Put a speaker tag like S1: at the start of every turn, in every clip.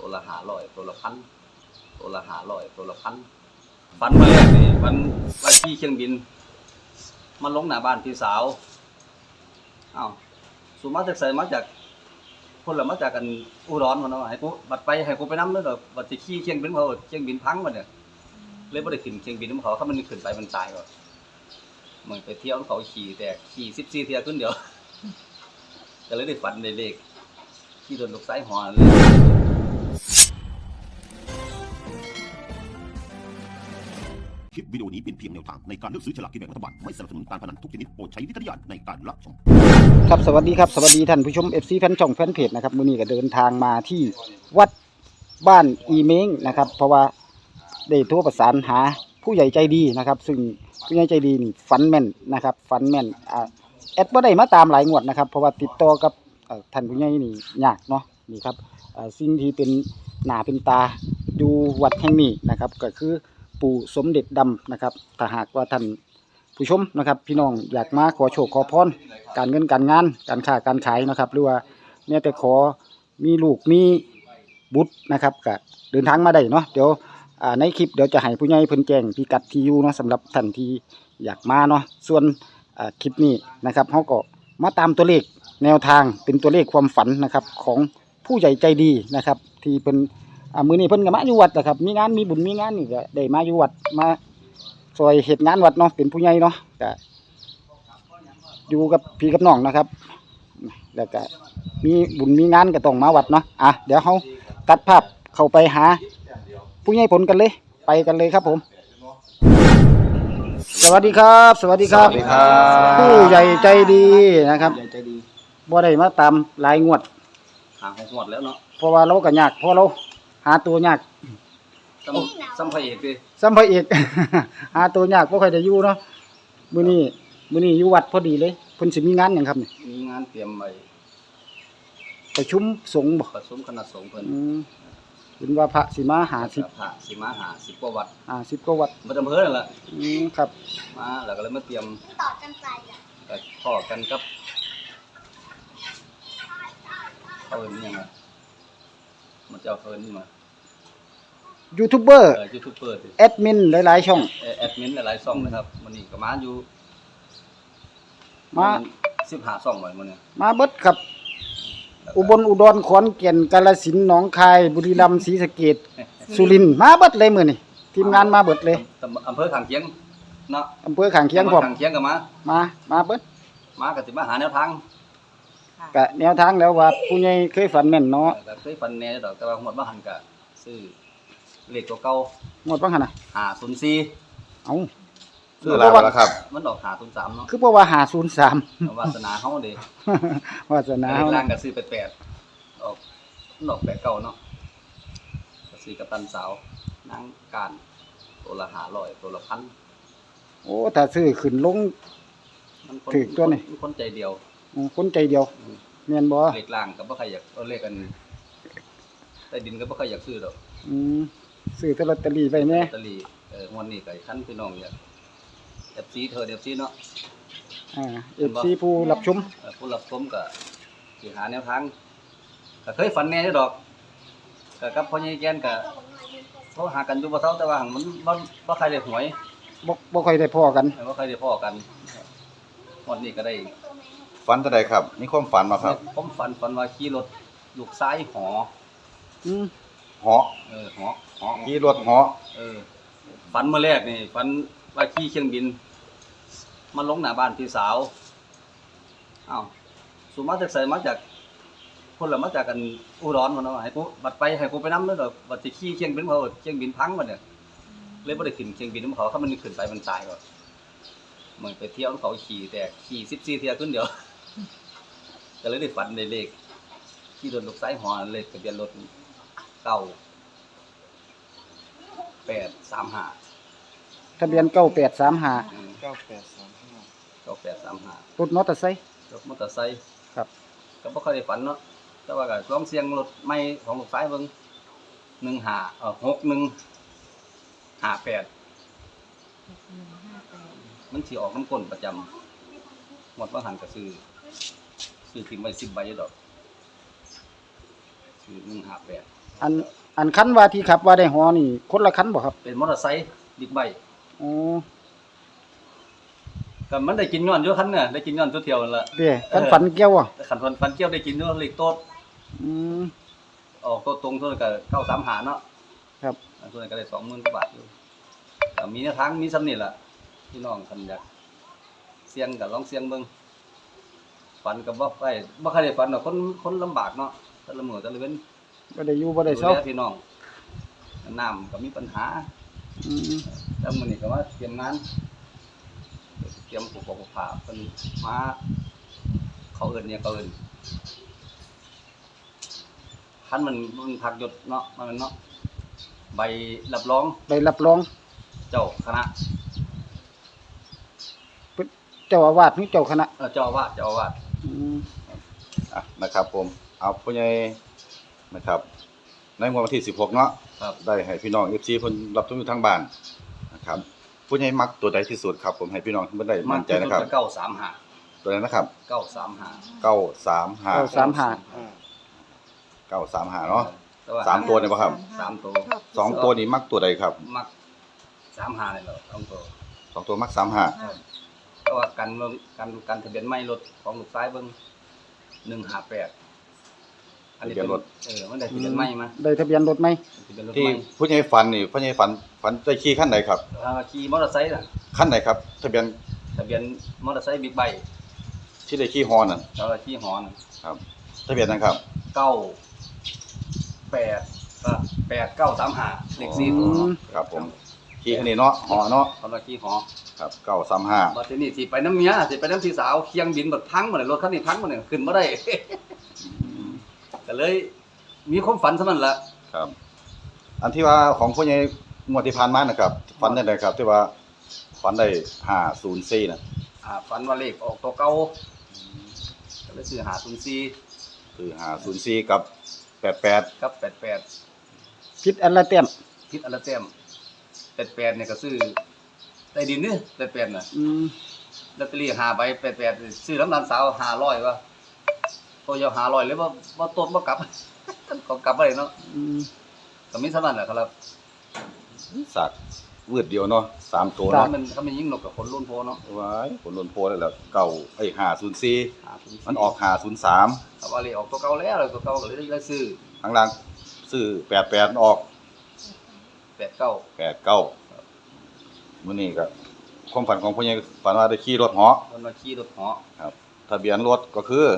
S1: ตัวละ500ตัวละพันตัวละ500ตัวละพันฝันมาแรกนี่ฝันว่าขี่เครื่องบินมาลงหน้าบ้านพี่สาวอ้าวสุมาจากไสมาจากคนละมาจากกันอุดรพุ่นเนาะให้กูบัดไปให้กูไปนำเด้อบัดสิขี่เครื่องบินเขาเครื่องบินพังบัดเนี่ยเลยบ่ได้ขึ้นเครื่องบินนำเขาถ้ามันขึ้นไปมันตายก่อนเหมือนไปเที่ยวเขาขี่แต่ขี่14เที่ยวขึ้นเดียวก็เลยได้ฝันได้เลขที่โดนลูกไส้หอเลย
S2: คลิปวิดีโอนี้เป็นเพียงแนวทางในการเลือกซื้อฉลากกินแบ่งรัฐบาลไม่สนับสนุนการพนันทุกชนิดโปรดใช้วิจารณญาณในการรับชม
S3: ครับสวัสดีครับสวัสดีท่านผู้ชม FC แฟนช่องแฟนเพจนะครับมื้อนี้ก็เดินทางมาที่วัดบ้านอีเม้งนะครับเพราะว่าได้โทรประสานหาผู้ใหญ่ใจดีนะครับซึ่งผู้ใหญ่ใจดีนี่ฝันแม่นนะครับฝันแม่นแอดบ่ได้มาตามหลายงวดนะครับเพราะว่าติดต่อกับท่านผู้ใหญ่นี่ยากเนาะนี่ครับสิ่งที่เป็นหน้าเป็นตาอยู่วัดแห่งนี้นะครับก็คือปู่สมเด็จดำนะครับถ้าหากว่าท่านผู้ชมนะครับพี่น้องอยากมาขอโชคขอพรการเงินการงานการค้าการขายนะครับหรือว่าแม้แต่ขอมีลูกมีบุตรนะครับก็เดินทางมาได้เนาะเดี๋ยวในคลิปเดี๋ยวจะให้ผู้ใหญ่เพิ่นแจ้งพิกัดที่อยู่เนาะสำหรับท่านที่อยากมาเนาะส่วนคลิปนี้นะครับเฮาก็มาตามตัวเลขแนวทางเป็นตัวเลขความฝันนะครับของผู้ใหญ่ใจดีนะครับที่เป็นมื้อนี้เพิ่นก็มาอยู่วัดนะครับมีงานมีบุญมีงานนี่ก็ได้มาอยู่วัดมาซอยเหตุงานวัดเนาะเป็นผู้ใหญ่เนาะก็อยู่กับพี่กับน้องนะครับแล้วก็มีบุญมีงานก็ต้องมาวัดเนาะเดี๋ยวเฮาตัดภาพเข้าไปหาผู้ใหญ่ผลกันเลยไปกันเลยครับผมสวัสดีครับสวัสดีครับผู้ใหญ่ใจดีนะครับใหญ่ใจดีบ่ได้มาตามหลายงวด
S1: หาหมดแล้วเนาะ
S3: เพราะว่าเราก็ยากเพราะเราหาตัวยาก
S1: ซ้ำพระเอกดิ
S3: ซ้ำพระเอก หาตัวยากบ่ค่อยได้อยู่เนาะมื้อนี้อยู่วัดพอดีเลยเพิ่นสิมีงานหยังครับนี่
S1: มีงานเตรียมไว้
S3: ประชุมสงฆ์บ่
S1: ประชุมคณะสงฆ์เพิ่น
S3: เห็นว่าพระสิมา50
S1: พระสิมา50กว่าวัด
S3: 50กว่าวัด
S1: บ่อำเภอนั่นล่ะ
S3: ครับ
S1: มาแล้วก็เลยมาเตรียมต่อกันไปก็พ้อกันกับเอิ้นหยังอ่ะมันจะเอิ้นมา
S3: ยูทูบเบอร์แอดมินหลายๆช่อง
S1: แอดมินหลายๆช่องนะครับมื้อนี้ก็มาอยู่
S3: มา
S1: 15ช่องไว้มื้อนี้
S3: มาเบิดครับอุบลอุดรขอนแก่นกาฬสินธุ์หนองคายบุรีรัมย์ศรีสะเกษสุรินทร์มาเบิดเลยมื้อนี้ทีมงานมาเบิดเลย
S1: อำเภอข้างเคียงเนาะ
S3: อำเภอข้างเคียงพร้อม
S1: ข้างเคียงก็
S3: มาเบิด
S1: มาก็สิมาหาแนวทาง
S3: ก็แนวทางแล้วว่าผู้ใหญ่เคยฝันแม่นเนาะ
S1: ก็เคยฝันแน่ดอกแต่ว่าหมดบ่หันก็ซื้อเลขตัวเก่า
S3: หมดบ่หั่นน่ะ
S1: 504
S3: เอ้า
S4: คือแล้วครับ
S1: มันออก503เนาะ
S3: คือบ่ว่า503
S1: วาสนาเฮาเด้
S3: วาสนาเฮา
S1: ล่างก็ซื้อ88ออก89เนาะก็ซื้อกับตันสาวนางการตัวละ500ตัวละพัน
S3: โอ้ถ้าซื้อขึ้นลงถึกตัวนี่
S1: คนใจเดียว
S3: คนใจเดียวแม่นบ่
S1: เลขล่างก็บ่ใครอยากเอาเลขกันใต้ดินก็บ่ใครอยากซื้อดอก
S3: ซื้อแต่ลอตเตอรี่ไว้แน่
S1: ลอตเตอรี่งวดนี้ก็คันพี่น้องอยาก FC เธอ FC เนาะ
S3: FC ผู้รับชม
S1: ก็สิหาแนวทางก็เคยฝันแน่อยู่ดอกก็กับพ่อใหญ่แก่นก็โทรหากันอยู่บ่เซาแต่ว่ามันบ่ใครได้หวย
S3: บ่ค่อยได้พ้อกัน
S1: บ่ค่อยได้พ้อกันงวดนี้ก็ได้
S4: ฝันจะได้ครับมีความฝันมาครับ
S1: ผมฝันว่าขี่รถลูกซ้ายหอ
S4: หอ
S1: หอ
S4: ขี่รถหอ
S1: ฝันเมื่อแรกนี่ฝันว่าขี่เครื่องบินมาลงหน้าบ้านพี่สาวอ้าวสุมาจากไสมาจากคนละมาจากกันอุดรพุ่นเนาะให้กูบัดไปให้กูไปนำเด้อบัดสิขี่เครื่องบินเขาเครื่องบินพังบัดเนี่ยเลยบ่ได้ขึ้นเครื่องบินนำเขาถ้ามันขึ้นไปมันตายก่อนเหมือนไปเที่ยวเขาขี่แต่ขี่14เที่ยวขึ้นเดียวก็เลยได้ฝันได้เลขขี่รถลูกไส้หอเลขทะเบียนรถ9835
S3: ทะเบียน9835รถมอเตอร์ไซค์
S1: ครับก็บ่ค่อยได้ฝันเนาะแต่ว่าก็ลองเสี่ยงรถใหม่ของลูกชายเบิ่ง6158มันสิออกน้ำก้นประจำหมดบ่หันก็ซื้อทิ้งไว้10ใบอยู่ดอกซื้อ158
S3: อันคันว่าที่ขับว่าได้หอนี่คนละคันบ่ครับ
S1: เป็นมอเตอร์ไซค์บิ๊กไบค์
S3: อ๋อ
S1: ก็มันได้กินย้อนอยู่คันเนี่ยได้กินย้อนตัวเที่ยวนั่นล่ะ
S3: เด้คันฝันเกี่ยวอ่ะ
S1: แต่คันฟันเกี่ยวได้กินอยู่เลขโต๊ด
S3: อืม
S1: ออกโต๊ดตรงเท่านั้นก็935เนาะ
S3: ครับ
S1: อันส่วนนั้นก็ได้20,000กว่าบาทอยู่ก็มีแนวทางมีซ้ำนี่ล่ะพี่น้องคันอยากเสี่ยงก็ลองเสี่ยงเบิ่งฝันก็บ่ค่อยได้ฝันดอกคนลำบากเนาะแต่ละมื้อแต่ละเว้น
S3: บ่ได้อยู่บ่ได้เซา
S1: ดูแลพี่น้องน้ำก็มีปัญหา
S3: อืม
S1: แล้วมื้อนี้ก็มาเตรียมงานเตรียมอุปกรณ์ผ้าเพิ่นมาเขาเอิ้นคันมันพักยศเนาะมันเนาะใบรับรอง
S3: ได้รับรอง
S1: เจ้าคณะ
S3: เจ้าอาวาสหรือเจ้าคณะ
S1: เจ้าอาวาส
S3: อืม
S4: นะครับผมเอาผู้ใหญ่นะครับในงวดวันที่16เนาะ
S1: ครับ
S4: ได้ให้พี่น้อง FC เพิ่นรับชมอยู่ทางบ้านนะครับผู้ใหญ่มักตัวใดที่สุดครับผมให้พี่น้องเพิ่นได้มั่นใจนะครับ
S1: 935
S4: ตัวนั้นนะครับ
S1: 935
S4: 935 935เนาะ
S1: แต่ว่า
S4: สามตัวเนี่ยบ่ครับ
S1: 3ตัว
S4: สองตัวนี้มักตัวใดครับ
S1: มัก35นี่แหละ2ตัว
S4: สองตัวมัก35
S1: แต่ว่ากันทะเบียนใหม่รถของลูกชายเบิ่ง158อันนี้เป็นมันได้ทะเบียนใหม่มา
S3: ได้ทะเบียนรถไหม
S1: ทะเบียนรถ
S4: ที่
S1: ใหม่
S4: ผู้ใหญ่ฝันนี่ผู้ใหญ่ฝันได้ขี่คันใดครับ
S1: ขี่มอเตอร์ไซค์น่ะ
S4: คันใดครับทะเบียน
S1: ทะเบียนมอเตอร์ไซค์บิ๊กไบค์
S4: ที่ได้ขี่ฮอนั่น
S1: แล้วก็ขี่หอน่ะ
S4: ครับทะเบียนนั้นครับ
S1: 8 935เลข4ตัวเนาะ
S4: ครับผมขี่คันนี้เนาะฮอเนาะ
S1: เขามาขี่หอ
S4: ครับ935
S1: บัดทีนี้สิไปน้ำเมียสิไปน้ำพี่สาวเคียงบินบัดพังหมดเลยรถคันนี้พังหมดเลยขึ้นบ่ได้ ก็เลยมีความฝันเท่านั้นล่ะ
S4: ครับ อันที่ว่าของผู้ใหญ่งวดที่ผ่านมานะครับฝันได้ครับที่ว่าฝันได้504น่ะ
S1: ฝันว่าเลขออกตัวเก่าก็เลยซื้อ504
S4: คือ504กับ88
S1: กับ88
S3: ผิดอันละแต้ม
S1: คิดอันละแต้ม88เนี่ยก็ซื้อใต้ดินนี่88น่ะ
S3: อืม
S1: ลอตเตอรี่5ใบ88ซื้อน้ำตาลสาว500ว่ะตัวยาว500เลยบ่ตดบ่กลับ ก็กลับบ่ได้เนาะ
S3: อืม
S1: ก็มีเท่านั้นแหละครับ
S4: สักวืดเดียวเนาะ3ตัว
S1: ถ้า
S4: เนาะ
S1: มันยิงนกกับคนรุ่นโพเนาะ
S4: ว้ายผลล้นโพได้แล้ว504มันออก503
S1: ถ้าว่าเลขออกตัวเก่าแล้วตัวเก่าก็เลยได้ซื้อ
S4: ข้างล่างซื้อ88ออก
S1: 89
S4: 89มื้อนี้ก็ความฝันของผู้ใหญ่ฝันว่าได้ขี่รถเหาะ
S1: มันมาขี่รถเหาะ
S4: ครับทะเบียนรถก็คือ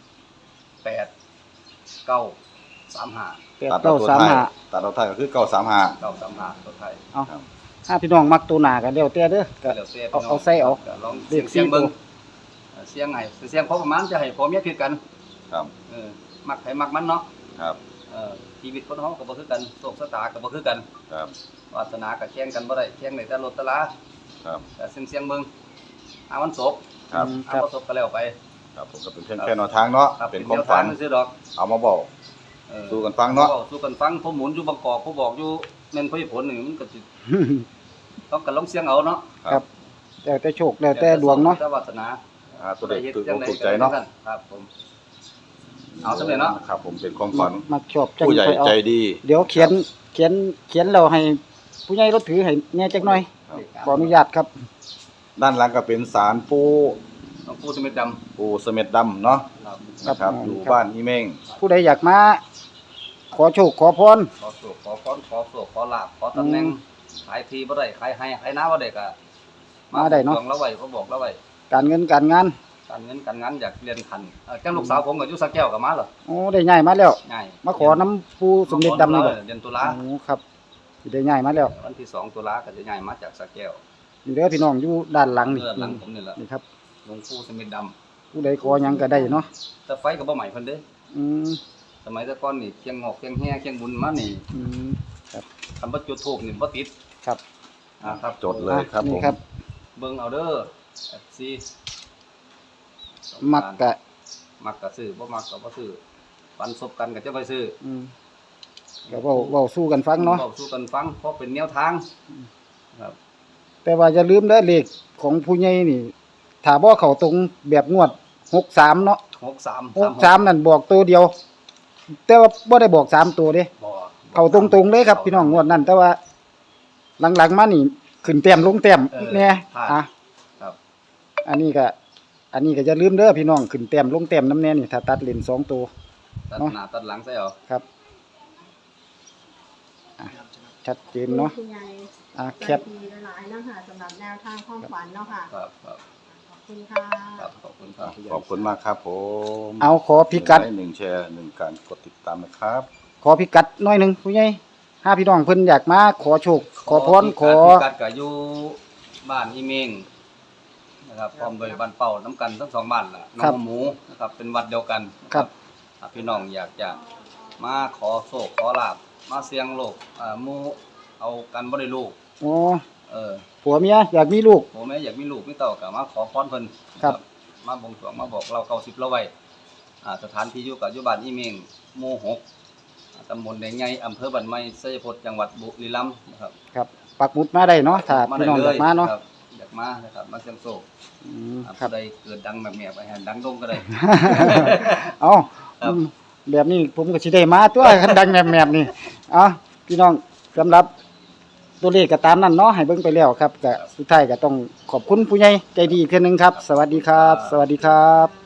S1: 8935
S3: แปดเก้าสามห้า
S4: ตัดเอาท้ายก็คือ935
S1: 935ตัวไทย
S3: เอาถ้าพี่น้องมักตัวหนาก็แล้วแต่เด้อก็
S1: แล้วแต่
S3: เอาใส่เอา
S1: ลองเสียงเบิ่งเสียงให้เสียงพอประมาณจะให้พอเมียผิดกัน
S4: ครับ
S1: มักให้มักมันเนาะ
S4: ครับ
S1: ชีวิตคนเฮาก็บ่คือกันโชคชะตาก็บ่คือกัน
S4: ครับ
S1: วาสนาก็แข่งกันบ่ได้แข่งได้แต่รถแต่ลา
S4: ครับ
S1: แต่เสียงเบิ่งมันศพ
S4: ครับ
S3: ครับ
S1: บ่ศพก็แล้วไป
S4: ครับผมก็เป็นเพียงแค่แนวทางเนาะเป็นความฝัน
S1: ซื่อดอก
S4: เอามาบอกสู้กันฟังเนาะ
S1: สู้กันฟังผมหมุนอยู่บางกอกผมบอกอยู่แม่นผลนี่มันก็สิต้องกันลองเสียงเอาเนาะ
S3: ครับ แล้วแต่โชคแล้วแต่ดวงเนาะ
S1: แต่วาสนา
S4: ตัวเด็กตื่นอกถูกใจเนาะ
S1: ครับผมเอาสำเร็จเนาะ
S4: ครับผมเป็นความฝัน
S3: มักชอบจัง
S4: ผู้ใหญ่
S3: ไปเอา
S4: ใจดี
S3: เดี๋ยวเขียนแล้วให้ผู้ใหญ่รถถือให้แหน่จักหน่อย
S4: ครับ
S3: ขออนุญาตครับ
S4: ด้านหลังก็เป็นศาลปู
S1: ต้องพูดสมิดดำ
S4: ปูเสม็ดดำเนาะ
S1: ครับ
S4: นะครับ
S3: ครับ
S4: อยู่บ้านอีเม้ง
S3: ผู้ใดอยากมาขอโชคขอพร
S1: ขอโชคขอพรขอโชคขอลาภขอตำแหน่งขายทีบ่ได้ขายให้ขายน้าบ่ได้ก็
S3: มาได้เนาะ
S1: หวงแล้วไว้เขาบอกแล้วไว้
S3: การเงินการงาน
S1: การเงินการงานอยากเรียนขันจังลูกสาวผมก็อยู่สระแก้วก็มาเหรอ
S3: โอ้ได้ง่ายมาแล้ว
S1: ง่าย
S3: มาขอน้ำปูสมเด็จดำนี่บ่
S1: เดือนตุลา
S3: โอ้ครับสิได้ง่ายมาแล้ว
S1: วันที่2ตุลาก็จะง่ายมาจากสระแก้ว
S3: นี่เด้อพี่น้องอยู่ด้านหลังนี่
S1: เพื่อหลังผมนี่แหละ
S3: นี่ครับ
S1: หลวงปู่สมิทด
S3: ผู้ใดขอหยังก็ได้เนาะ
S1: ำแต่ไฟก็บ่ใหม่เพิ่นเด้อ
S3: อืม
S1: สมัยแต่ก่อนนี่เคียงหอกเคียงแห่เคียงบุญมานี่
S3: อืม
S1: คำว่าจุดธูปนี่บ่ติด
S3: ครับ
S1: ครับ
S4: จดเลยครับผ
S3: นี่
S4: ม
S3: ครับ
S1: เบิ่งเอาเด้อ FC
S3: มักกะ
S1: มักก็ซื้อบ่มักก็บ่ซื้อปันศพกันก็จะไปซื้อ
S3: อืมก็เว้าสู้กันฟังเนาะ
S1: บอกสู่กันฟังเพราะเป็นแนวทางครับ
S3: แต่ว่าอย่าลืมเด้อเลขของผู้ใหญ่นี่ถ้าบ่เข้าตรงแบบงวด63เนาะ
S1: 63
S3: 63นั่นบอกตัวเดียว แต่ว่าบ่ได้บอก3ตัวเด้
S1: บ่
S3: เข้าตรงๆเลยครับพี่น้องงวดนั้น แต่ว่าหลังๆมานี่ขึ้นแต้มลงแต้มแน่อ่ะ
S1: ครับ
S3: อันนี้ก็อย่าลืมเด้อพี่น้องขึ้นแต้มลงแต้มน้ำแน่นี่ถ้าตัดเลน2ตัว
S1: ตัดหน้าตัดหลังใส่เอา
S3: ครับอ่ะชัดเจนเนาะ
S5: คุณยาย
S3: แคป
S5: ดีหลายๆเนาะค่ะสำหรับแนวทางความฝันเนาะค่ะ
S1: ครับครับ
S5: ขอบคุณค่ะ
S1: ครับขอบคุณครับ
S4: ขอบคุณมากครับผม
S3: เอาขอพิกัด
S4: 1 แชร์ 1 การกดติดตามนะครับ
S3: ขอพิกัดหน่อยหนึงผู้ใหญ่ถ้าพี่น้องเพิ่นอยากมาขอโชคขอพรขอ
S1: พิกัดก็อยู่บ้านอีเมงนะครับพร้อมโดยบ้านเป่าน้ำกันทั้งสองบ้านล่ะน้องหมูนะครับเป็นวัดเดียวกันนะครับ ถ้าพี่น้องอยากจะมาขอโชคขอลาบมาเสี่ยงโลกหมู่เอากันบ่ได้ลูก
S3: โอ้
S1: ผั
S3: ผัวเมียอยากมีลูก
S1: ผมแม่อยากมีลูกมีเต้าก็มาขอพรเพิ่น
S3: ครับ
S1: มาบวงสรวงมาบอกเรา90เราไว้สถานที่อยู่กับอยู่บ้านอีเมงหมู่6ตำบลแดงใหญ่อำเภอบ้านไม้ชัยพจน์จังหวัดบุรีรัมย์นะครับ
S3: ครับปักหมุดมาได้เนาะถ้าพี่น้องอยากมาเนาะ
S1: ครับอยากมานะครับมาเสี่ยงโชค
S3: ครับ
S1: ผู้ใดเกิดดังแบบแม่ไปหันดังดงก็ได้
S3: เอา
S1: ครับ
S3: แบบนี้ผมก็สิได้มาตัวคันดังแมบๆนี่เอาพี่น้องสำหรับตัวเลขก็ตามนั้นเนาะให้เบิ่งไปแล้วครับก็สุดท้ายก็ต้องขอบคุณผู้ใหญ่ใจดีอีกเทื่อนึงครับ สวัสดีครับ สวัสดีครับ